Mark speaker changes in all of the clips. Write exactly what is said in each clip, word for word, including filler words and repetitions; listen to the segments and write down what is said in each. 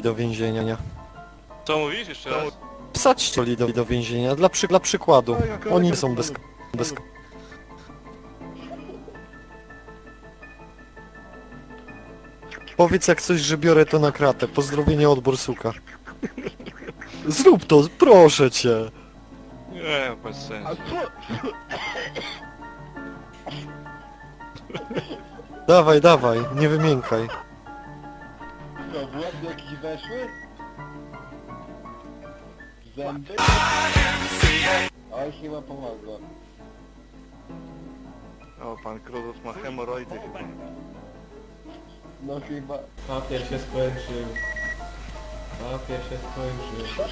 Speaker 1: do więzienia.
Speaker 2: Co mówisz jeszcze raz?
Speaker 1: Wsadźcie Oli do, do więzienia, dla, przy, dla przykładu. Oni są bez... bez... Powiedz jak coś, że biorę to na kratę. Pozdrowienie od Borsuka. Zrób to, proszę cię.
Speaker 2: Nie, bez sensu.
Speaker 1: Dawaj, dawaj, nie wymiękaj.
Speaker 3: Co, w łeb jakieś weszły? Zęby? Oj, chyba pomogło.
Speaker 2: O, pan Kruzos ma hemoroidy chyba.
Speaker 3: No chyba.
Speaker 4: Papier się skończył. Papier się skończył.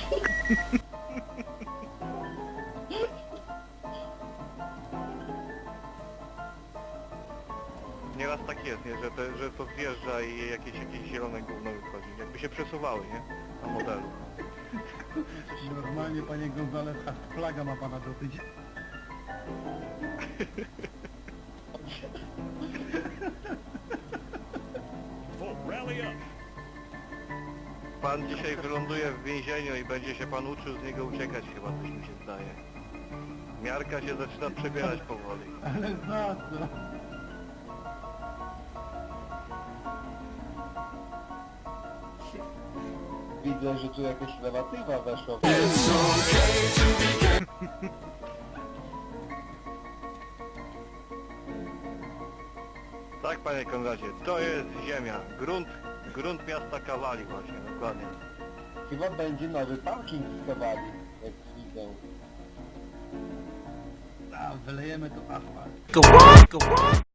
Speaker 2: Nieraz tak jest, nie? Że, te, że to zjeżdża i jakieś, jakieś zielone gówno wychodzi. Jakby się przesuwały, nie? Na modelu.
Speaker 5: Normalnie, panie Gonzales, aż flaga ma pana dosyć.
Speaker 2: Pan dzisiaj wyląduje w więzieniu i będzie się pan uczył z niego uciekać chyba, coś mi się zdaje. Miarka się zaczyna przebierać powoli.
Speaker 5: Ale za co?
Speaker 3: Widzę, że tu jakaś lewatywa weszła.
Speaker 2: Tak, panie Konradzie, to jest ziemia. Grunt, grunt miasta Kawali właśnie, dokładnie.
Speaker 3: Chyba będzie nowy parking z Kawali, jak widzę.
Speaker 5: A, wylejemy to asfalt.